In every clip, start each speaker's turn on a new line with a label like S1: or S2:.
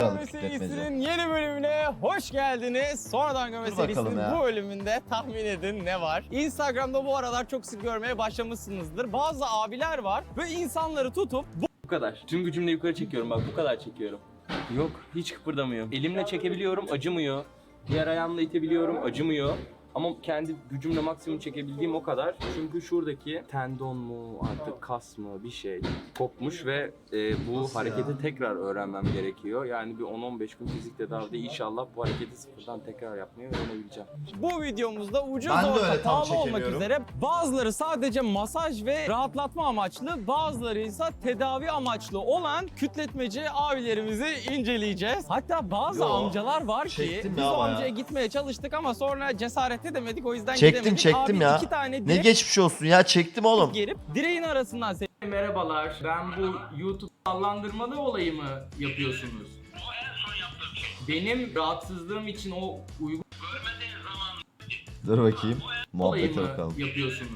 S1: serisinin yeni bölümüne hoş geldiniz. Sonradan görme serisinin bu bölümünde tahmin edin ne var? Instagram'da bu aralar çok sık görmeye başlamışsınızdır. Bazı abiler var ve insanları tutup
S2: Bu kadar. Tüm gücümle yukarı çekiyorum bak, bu kadar çekiyorum. Yok, hiç kıpırdamıyor. Elimle çekebiliyorum, acımıyor. Diğer ayağımla itebiliyorum, acımıyor. Ama kendi gücümle maksimum çekebildiğim o kadar. Çünkü şuradaki tendon mu artık kas mı bir şey kopmuş ve bu hareketi tekrar öğrenmem gerekiyor. Yani bir 10-15 gün fizik tedavide inşallah bu hareketi sıfırdan tekrar yapmayı öğrenebileceğim.
S1: bu videomuzda ucuz orta pahalı olmak üzere bazıları sadece masaj ve rahatlatma amaçlı, bazıları ise tedavi amaçlı olan kütletmeci abilerimizi inceleyeceğiz. Hatta bazı amcalar var ki biz o amcaya gitmeye çalıştık ama sonra cesaret edemedik, o yüzden gidemedik.
S3: Çektim
S1: abi,
S3: ya.
S1: 2 tane
S3: Ne geçmiş olsun ya, çektim oğlum.
S1: gerip direğin arasından
S2: Merhabalar, ben bu YouTube sallandırmalı olayı mı yapıyorsunuz?
S4: O en son yaptığım şey.
S2: Benim rahatsızlığım için o uygun
S4: Görmediğin zaman
S3: Dur bakayım.
S2: olayı
S3: Muhabbete
S2: mı
S3: bakalım.
S2: yapıyorsunuz?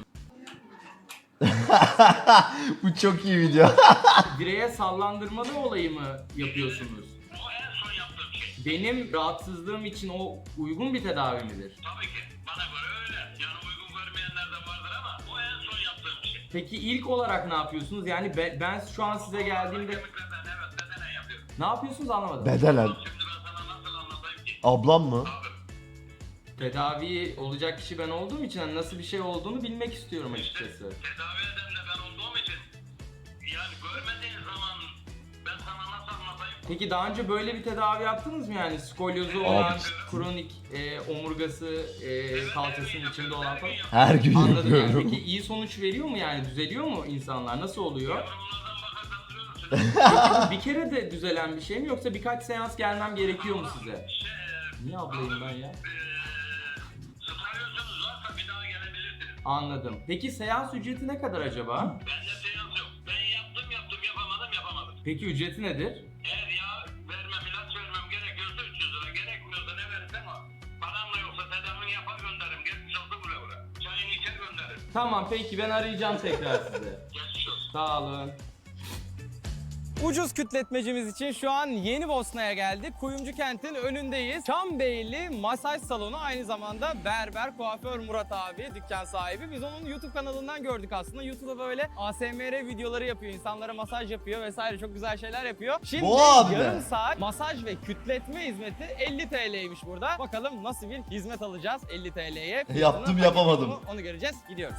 S3: Bu çok iyi video.
S2: Direğe sallandırmalı olayı mı yapıyorsunuz?
S4: o en son yaptığım şey.
S2: Benim rahatsızlığım için o uygun bir tedavi midir?
S4: Tabii ki bana göre öyle. Yani uygun görmeyenler de vardır ama o en son yaptığım şey.
S2: Peki ilk olarak ne yapıyorsunuz? Yani ben şu an size geldiğimde
S4: Kemiklerden evet bedenen yapıyorum.
S2: ne yapıyorsunuz anlamadım.
S3: Bedelen.
S4: Şimdi ben sana nasıl anlatayım ki?
S3: Ablam mı?
S2: Tedavi olacak kişi ben olduğum için hani nasıl bir şey olduğunu bilmek istiyorum açıkçası.
S4: Tedavi eden de ben olduğum için yani görmediğin zaman ben sana nasıl anlatayım?
S2: Peki daha önce böyle bir tedavi yaptınız mı yani skolyozu olan, kronik omurgası, kalçasının içinde olan falan?
S3: Her gün
S2: Anladım yani.
S3: yapıyorum.
S2: Peki iyi sonuç veriyor mu yani? Düzeliyor mu insanlar? Nasıl oluyor?
S4: Bunlardan bakarsan görürsün.
S2: Peki bu bir kere de düzelen bir şey mi yoksa birkaç seans gelmem gerekiyor mu size? Niye ablayım ben ya?
S4: Sıkarıyorsanız varsa bir daha gelebilirsiniz.
S2: Anladım. Peki seans ücreti ne kadar acaba?
S4: Bende seans yok. Ben yaptım yapamadım.
S2: Peki ücreti nedir?
S4: Eğer yağ vermem, ilaç vermem gerekiyorsa 300 lira, gerekmiyorsa ne verirsen o. Param da yoksa tedavini yapar gönderirim. Geçmiş olsun buraya. Çayını içer gönderirim.
S2: Tamam peki ben arayacağım tekrar sizi.
S4: Geçmiş olsun.
S2: Sağ olun.
S1: ucuz kütletmecimiz için şu an Yeni Bosna'ya geldik. Kuyumcu kentin önündeyiz. Çambeyli masaj salonu, aynı zamanda berber, kuaför Murat abi, dükkan sahibi. Biz onun YouTube kanalından gördük aslında. YouTube'da böyle ASMR videoları yapıyor, insanlara masaj yapıyor vesaire, çok güzel şeyler yapıyor. Şimdi
S3: Bu abi
S1: yarım
S3: mi?
S1: saat masaj ve kütletme hizmeti 50 TL'ymiş burada. Bakalım nasıl bir hizmet alacağız 50 TL'ye.
S3: Yaptım, yapamadım.
S1: Onu göreceğiz. Gidiyoruz.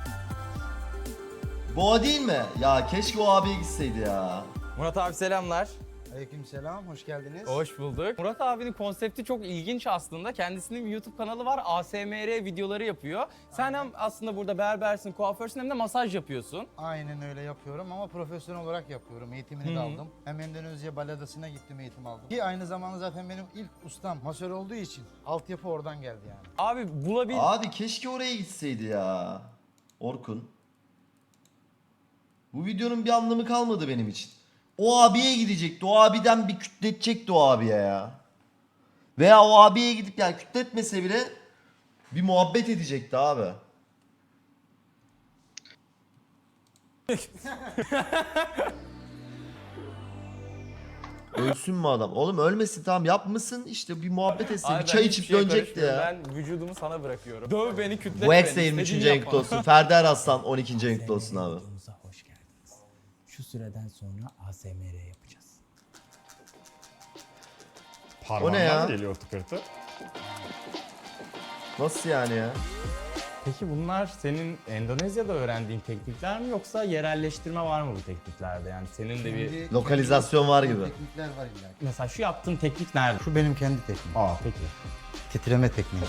S3: Bu o değil mi? Ya keşke o abiye gitseydi ya.
S1: Murat abi selamlar.
S5: Aleykümselam, hoş geldiniz.
S1: Hoş bulduk. Murat abinin konsepti çok ilginç aslında. Kendisinin bir YouTube kanalı var. ASMR videoları yapıyor. Sen hem aslında burada berbersin, kuaförsün, hem de masaj yapıyorsun.
S5: Aynen öyle yapıyorum ama profesyonel olarak yapıyorum. Eğitimini de aldım. Hem Endonezya Baladası'na gittim, eğitim aldım. Ki aynı zamanda zaten benim ilk ustam masör olduğu için altyapı oradan geldi yani.
S1: Abi bulabil...
S3: Abi keşke oraya gitseydi ya. Orkun. Bu videonun bir anlamı kalmadı benim için. O abiye gidecekti. O abiden bir kütletecekti o abiye ya. Veya o abiye gidip yani kütletmese bile bir muhabbet edecekti abi. Ölsün mü adam? Oğlum ölmesin, tamam yapmışsın işte, bir muhabbet etsin.
S1: Abi
S3: Bir
S1: ben
S3: çay
S1: hiçbir
S3: içip
S1: şeye
S3: dönecekti ya.
S1: karışmıyorum. Ben vücudumu sana bırakıyorum. Döv beni, kütlet
S3: Bu
S1: beni.
S3: ex de 23.
S1: İstediğini
S3: ayın
S1: yapma.
S3: kutlu olsun. Ferdi Eraslan 12. ayın kutlu olsun abi.
S6: Videomuza hoş geldiniz. Şu süreden sonra ASMR yapacağız.
S3: O ne ya?
S7: Parmağından geliyor tıkırtı.
S3: Nasıl yani ya?
S8: Peki bunlar senin Endonezya'da öğrendiğin teknikler mi yoksa yerelleştirme var mı bu tekniklerde? Yani senin de bir...
S5: Kendi-
S3: Lokalizasyon var gibi.
S5: Teknikler var illa ki.
S8: Mesela şu yaptığın teknik nerede?
S5: Şu benim kendi tekniğim.
S8: Aa peki.
S5: Titreme tekniği.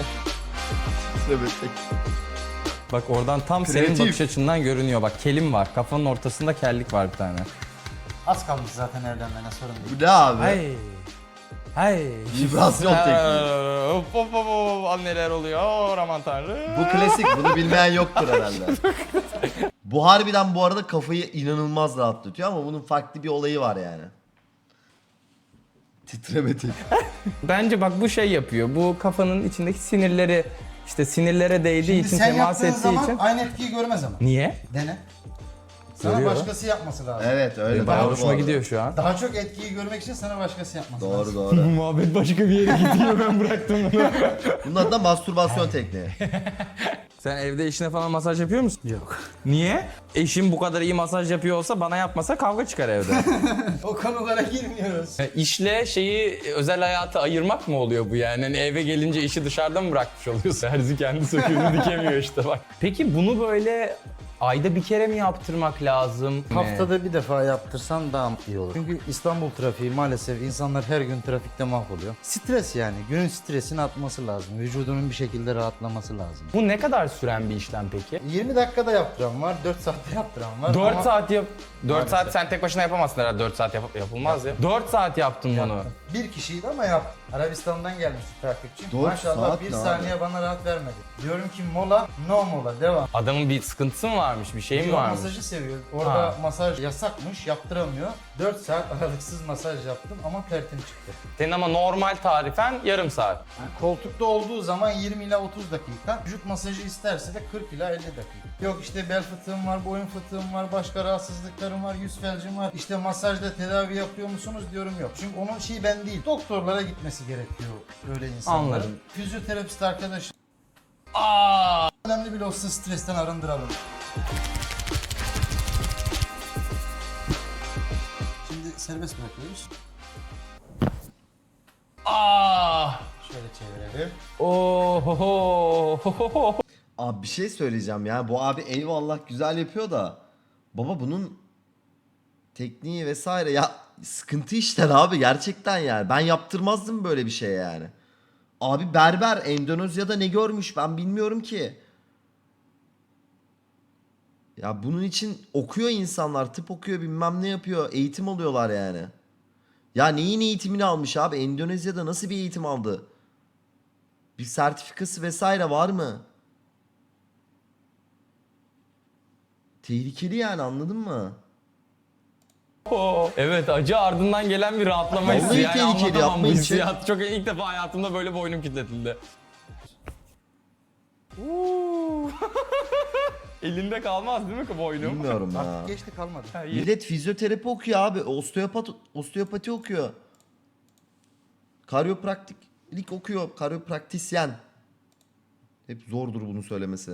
S8: Bak oradan tam senin
S3: Kreatif.
S8: bakış açından görünüyor. Bak kelim var. Kafanın ortasında kellik var bir tane.
S5: Az kalmış zaten evlenmene, sorun değil.
S3: Bu ne abi?
S8: Hey. Hey.
S3: Vibrasyon tekniği.
S8: Hop hop hop hop. Neler oluyor? Aman tanrım.
S3: Bu klasik. Bunu bilmeyen yoktur herhalde. Bu harbiden bu arada kafayı inanılmaz rahatlatıyor ama bunun farklı bir olayı var yani. Titreme tekniği.
S8: Bence bak bu şey yapıyor. Bu kafanın içindeki sinirleri, işte sinirlere değdiği
S5: Şimdi
S8: için,
S5: sen
S8: temas
S5: yaptığın
S8: ettiği
S5: zaman
S8: için.
S5: aynı etkiyi görmez ama.
S8: Niye?
S5: Dene. Sana
S8: Görüyor.
S5: başkası yapması lazım.
S3: Evet öyle.
S8: Benim bayağı
S3: doğru bu
S8: hoşuma
S3: arada.
S8: gidiyor şu an.
S5: Daha çok etkiyi görmek için sana başkası yapması
S3: Doğru
S5: lazım.
S3: doğru.
S8: Muhabbet başka bir yere gidiyor, ben bıraktım bunu.
S3: Bunun adı da mastürbasyon tekniği.
S8: Sen evde eşine falan masaj yapıyor musun? Yok. Niye? Eşim bu kadar iyi masaj yapıyor olsa bana yapmasa kavga çıkar evde.
S5: O konulara girmiyoruz.
S8: İşle şeyi, özel hayatı ayırmak mı oluyor bu yani? Hani eve gelince işi dışarıda mı bırakmış oluyorsun? Herzi kendi söküğünü dikemiyor işte bak. Peki bunu böyle ayda bir kere mi yaptırmak lazım?
S5: Haftada bir defa yaptırsan daha iyi olur. Çünkü İstanbul trafiği maalesef insanlar her gün trafikte mahvoluyor. Stres yani. Günün stresini atması lazım. Vücudunun bir şekilde rahatlaması lazım.
S8: Bu ne kadar süren bir işlem peki?
S5: 20 dakikada yaptıran var, 4 saatte yaptıran var.
S8: 4
S5: ama
S8: saat yap. 4
S5: Maalesef.
S8: saat sen tek başına yapamazsın herhalde. 4 saat yapılmaz ya. 4 saat yaptın bunu.
S5: yaptım. Bir kişiydi ama yaptım. Arabistan'dan gelmiş bir takipçim.
S3: 4
S5: Maşallah
S3: saat
S5: bir
S3: ne
S5: saniye
S3: abi?
S5: bana rahat vermedi. Diyorum ki mola, no mola, devam.
S8: Adamın bir sıkıntısı mı varmış, bir şey mi
S5: Yok,
S8: varmış?
S5: masajı seviyor. Orada
S8: Ha.
S5: masaj yasakmış, yaptıramıyor. 4 saat aralıksız masaj yaptım ama tertim çıktı.
S8: Senin ama normal tarifen yarım saat.
S5: Koltukta olduğu zaman 20 ila 30 dakika. Vücut masajı isterse de 40 ila 50 dakika. Yok işte bel fıtığım var, boyun fıtığım var, başka rahatsızlıklarım var, yüz felcim var. İşte masajda tedavi yapıyor musunuz diyorum yok. Çünkü onun şeyi ben değil. Doktorlara gitmesi gerekiyor öyle insanların.
S8: Anladım.
S5: Fizyoterapist arkadaş. Önemli bile olsa stresten arındıralım. Şimdi serbest bırakıyoruz. Şöyle çevirelim.
S8: Ohoho.
S3: Abi bir şey söyleyeceğim ya. Bu abi eyvallah güzel yapıyor da. Baba bunun tekniği vesaire ya sıkıntı işler abi gerçekten yani. Ben yaptırmazdım böyle bir şey yani. Abi berber Endonezya'da ne görmüş ben bilmiyorum ki. Ya bunun için okuyor insanlar, tıp okuyor, bilmem ne yapıyor, eğitim alıyorlar yani. Ya neyin eğitimini almış abi? Endonezya'da nasıl bir eğitim aldı? Bir sertifikası vesaire var mı? Tehlikeli yani, anladın mı?
S8: Evet, acı ardından gelen bir rahatlama
S3: Vallahi
S8: hissi. Yani
S3: tehlikeli,
S8: anlatamam bu
S3: yapmayın.
S8: hissiyat. Çok ilk defa hayatımda böyle boynum kilitletildi. Elinde kalmaz değil mi ki boynum?
S3: Bilmiyorum ya.
S5: Artık geçti kalmadı.
S3: Millet fizyoterapi okuyor abi. Osteopati okuyor. Karyopraktiklik okuyor. Karyopraktisyen. Hep zordur bunu söylemesi.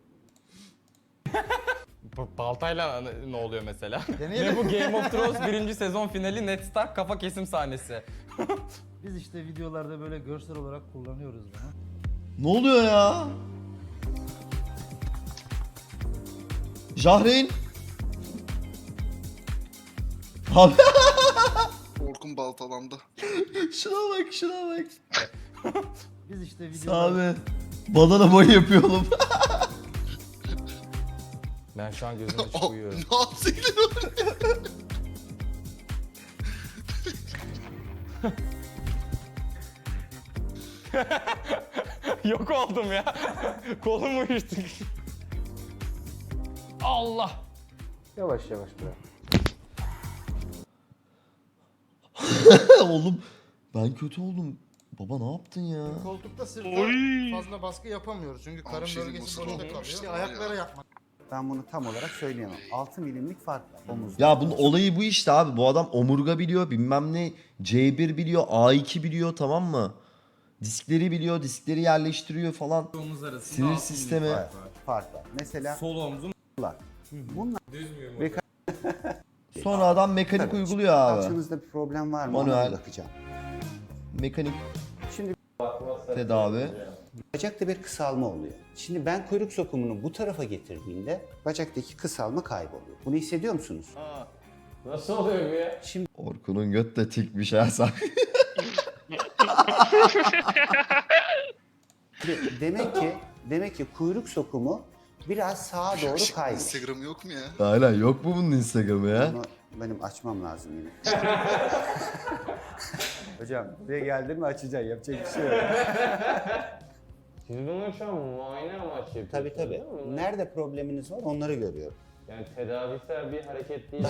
S8: Baltayla ne oluyor mesela?
S5: Deneyelim.
S8: Ne bu Game of Thrones 1. sezon finali Ned Stark kafa kesim sahnesi.
S5: Biz işte videolarda böyle görsel olarak kullanıyoruz bunu.
S3: Ne oluyor ya? Jahreyn. Abi
S7: Orkun baltalandı.
S3: şuna bak, şuna bak.
S5: Biz işte videolarda...
S3: Abi badana boy yapıyor oğlum.
S8: Ben şu an gözüm açık uyuyorum.
S7: Ne yapsaydın
S8: Yok oldum ya. Kolum uyuştu. Allah.
S5: Yavaş yavaş bırak.
S3: Oğlum ben kötü oldum. Baba ne yaptın ya?
S5: Koltukta sırta fazla baskı yapamıyoruz çünkü karın
S7: şey diyeyim,
S5: bölgesi
S7: bu
S5: boşta
S7: sırada
S5: kalıyor.
S7: işte
S5: İşte
S7: var ya.
S5: ayaklara yapmak.
S9: Ben bunu tam olarak söyleyemem. 6 milimlik fark var omuzda.
S3: Ya bunun olayı bu işte abi. Bu adam omurga biliyor, bilmem ne, C1 biliyor, A2 biliyor, tamam mı? Diskleri biliyor, diskleri yerleştiriyor falan.
S1: Omuz arasında
S3: Sinir
S1: altı
S3: sistemi.
S1: milim fark var.
S9: Fark var. Mesela
S1: Sol omzum
S9: bunlar
S1: düz müyüm?
S9: Ve-
S3: Sonra adam mekanik
S9: Tabii.
S3: uyguluyor abi.
S9: kalçanızda bir problem var mı?
S3: Manuel.
S9: Ona bir bakacağım.
S3: Mekanik
S9: Şimdi
S3: tedavi.
S9: bacakta bir kısalma oluyor. Şimdi ben kuyruk sokumunu bu tarafa getirdiğimde bacaktaki kısalma kayboluyor. Bunu hissediyor musunuz?
S8: Nasıl oluyor bu ya?
S3: Orkun'un göt de tikmiş ha sen.
S9: Demek ki kuyruk sokumu biraz sağa doğru kaymış.
S7: Instagram yok mu ya?
S3: Hala yok mu bunun Instagram'ı ya?
S9: Bunu benim açmam lazım yine. Hocam buraya geldin mi açacaksın. Yapacak bir şey yok.
S8: Siz bunu şu an muayene amaçlı yapıyorsunuz
S9: Tabii tabii.
S8: değil mi?
S9: Nerede probleminiz var onları görüyorum.
S8: Yani tedavisel bir hareket değil.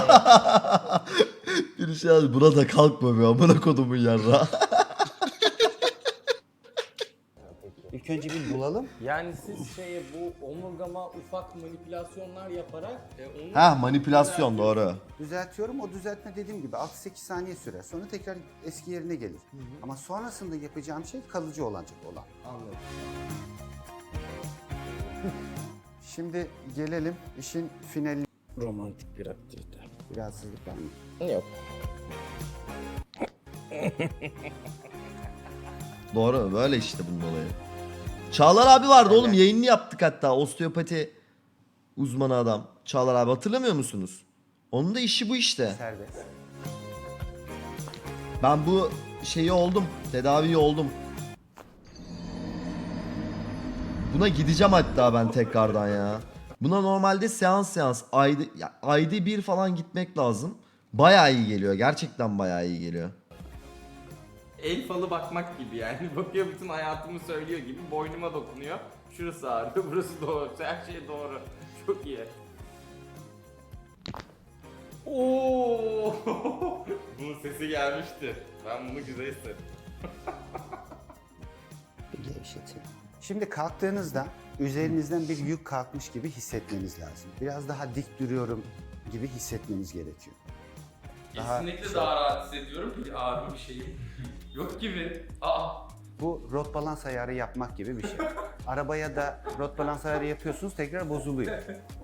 S3: Bir şey abi buna da kalkma be amına kodumun yarra.
S9: İlk İlk önce bir bulalım.
S8: Yani siz bu omurgama ufak manipülasyonlar yaparak onu...
S3: Ha manipülasyon doğru.
S9: Düzeltiyorum. O düzeltme dediğim gibi 6-8 saniye sürer. Sonra tekrar eski yerine gelir. Ama sonrasında yapacağım şey kalıcı olacak olan.
S8: Anladım.
S9: Şimdi gelelim işin finali.
S8: Romantik bir aktivite.
S9: Bir rahatsızlık var mı?
S8: Yok.
S3: Doğru böyle işte bunun olayı. Çağlar abi vardı oğlum, yayınını yaptık hatta, osteopati uzmanı adam. Çağlar abi hatırlamıyor musunuz? Onun da işi bu işte.
S9: Serbest.
S3: Ben bu şeyi oldum, tedavi oldum. Buna gideceğim hatta ben tekrardan ya. Buna normalde seans ayda bir falan gitmek lazım. Bayağı iyi geliyor, gerçekten bayağı iyi geliyor.
S8: El falı bakmak gibi yani. Bakıyor bütün hayatımı söylüyor gibi. Boynuma dokunuyor. Şurası ağrıyor, burası doğru. Her şey doğru. Çok iyi. Oo! Bunun sesi gelmişti. Ben bunu güzel hissettim.
S9: Bir gevşetin. Şimdi kalktığınızda üzerinizden bir yük kalkmış gibi hissetmeniz lazım. Biraz daha dik duruyorum gibi hissetmeniz gerekiyor.
S8: Kesinlikle daha rahat hissediyorum. Bir ağrı bir şey yok gibi. Aa!
S9: Bu rot balans ayarı yapmak gibi bir şey. Arabaya da rot balans ayarı yapıyorsunuz, tekrar bozuluyor.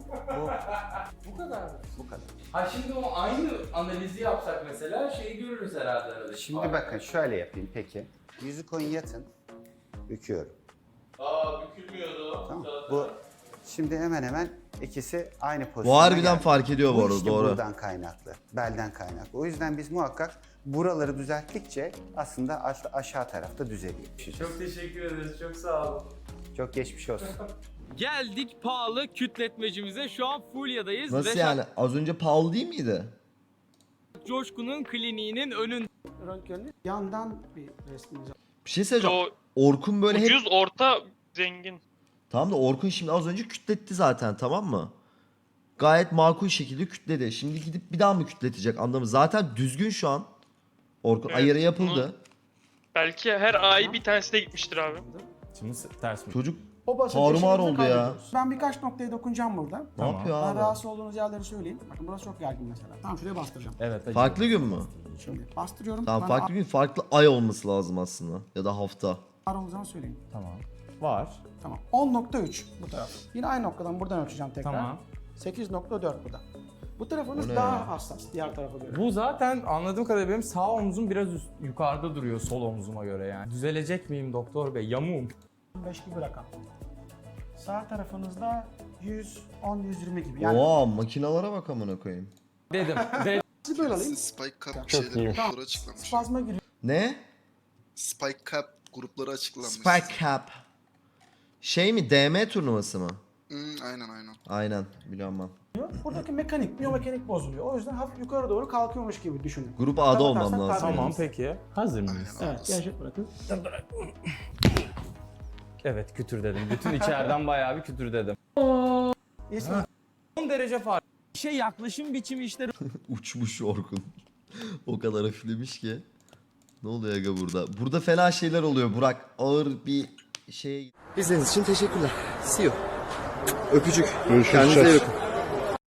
S8: Bu kadar mı?
S9: Bu kadar.
S8: Ha şimdi o aynı analizi yapsak mesela şeyi görürüz herhalde arada.
S9: Şimdi bakın şöyle yapayım peki. Yüzü koyun yatın. Büküyorum.
S8: Aa bükülmüyordu.
S9: Tamam. Bu şimdi hemen hemen ikisi aynı pozisyona
S3: Bu harbiden
S9: geldi.
S3: fark ediyor bu arada,
S9: işte
S3: doğru.
S9: buradan kaynaklı, belden kaynaklı. O yüzden biz muhakkak buraları düzelttikçe aslında aşağı tarafta düzeliyor.
S8: Çok teşekkür ederiz. Çok sağ olun.
S9: Çok geçmiş olsun.
S1: Geldik pahalı kütletmecimize. Şu an Fulya'dayız.
S3: Nasıl
S1: Reşat
S3: yani? Az önce pahalı değil miydi?
S1: Coşkun'un kliniğinin önünde.
S10: Röntgenli yandan bir resmimiz.
S3: Bir şey söyleyeceğim. Orkun böyle hep...
S10: orta, zengin.
S3: Tamam da Orkun şimdi az önce kütletti zaten, tamam mı? Gayet makul şekilde kütledi. Şimdi gidip bir daha mı kütletecek, anlamı? Zaten düzgün şu an. Orkun
S10: Evet,
S3: ayarı yapıldı.
S10: Belki her ay bir tanesine gitmiştir abi.
S8: Şimdi ters mi?
S3: Çocuk
S10: O basıncı
S3: tarumar
S10: eşiğimizi
S3: oldu ya.
S10: kaybediyoruz. Ben birkaç noktaya dokunacağım burada.
S3: Ne yapıyor
S10: Ben
S3: abi?
S10: rahatsız olduğunuz yerleri söyleyeyim. Bakın burası çok gergin mesela. Tamam şuraya bastıracağım.
S8: Evet.
S3: Farklı gün mü?
S10: Şimdi bastırıyorum.
S3: Tamam,
S10: Bana
S3: farklı gün, farklı ay olması lazım aslında. Ya da hafta.
S10: ağrı olduğu zaman söyleyeyim.
S8: Tamam. Var.
S10: Tamam. 10.3 bu taraf. Yine aynı noktadan buradan ölçeceğim tekrar.
S8: Tamam.
S10: 8.4 burada. Bu tarafınız
S3: O ne
S10: daha
S3: ya?
S10: hassas diğer tarafa göre.
S8: Bu zaten anladığım kadarıyla benim sağ omzum biraz yukarıda duruyor sol omzuma göre yani. Düzelecek miyim doktor bey? Yamuğum.
S10: 5 gibi rakam. Sağ tarafınızda 110-120 gibi. Yani
S3: Oha, makinalara bak amına koyayım.
S8: Dedim.
S10: sizi böyle alayım.
S7: Spike Cup
S8: Çok
S7: şeyleri
S8: iyi.
S7: grupları açıklanmış.
S10: Spazma giriyor.
S3: Ne?
S7: Spike Cup grupları açıklanmış.
S3: Spike Cup. Şey mi? DM turnuvası mı?
S7: Aynen.
S3: Aynen, biliyorum ben.
S10: Buradaki mekanik, biyomekanik bozuluyor. O yüzden hafif yukarı doğru kalkıyormuş gibi düşünün.
S3: Grup A'da
S10: Tam
S3: olmam
S10: atarsak
S3: lazım.
S10: kalkıyor.
S8: Tamam peki. Hazır mıyız?
S7: Aynen.
S10: Evet, gerçek bırakın.
S8: Evet kütür dedim. Bütün içeriden bayağı bir kütür dedim.
S10: İsmi
S8: 10 derece fark.
S1: Şey yaklaşım biçimi işte
S3: Uçmuş Orkun. O kadar hafiflemiş ki. Ne oluyor aga burada? Burada fena şeyler oluyor Burak. Ağır bir şey.
S11: İzlediğiniz için teşekkürler. See you. Öpücük. Görüşürüz. Kendinize iyi bakın.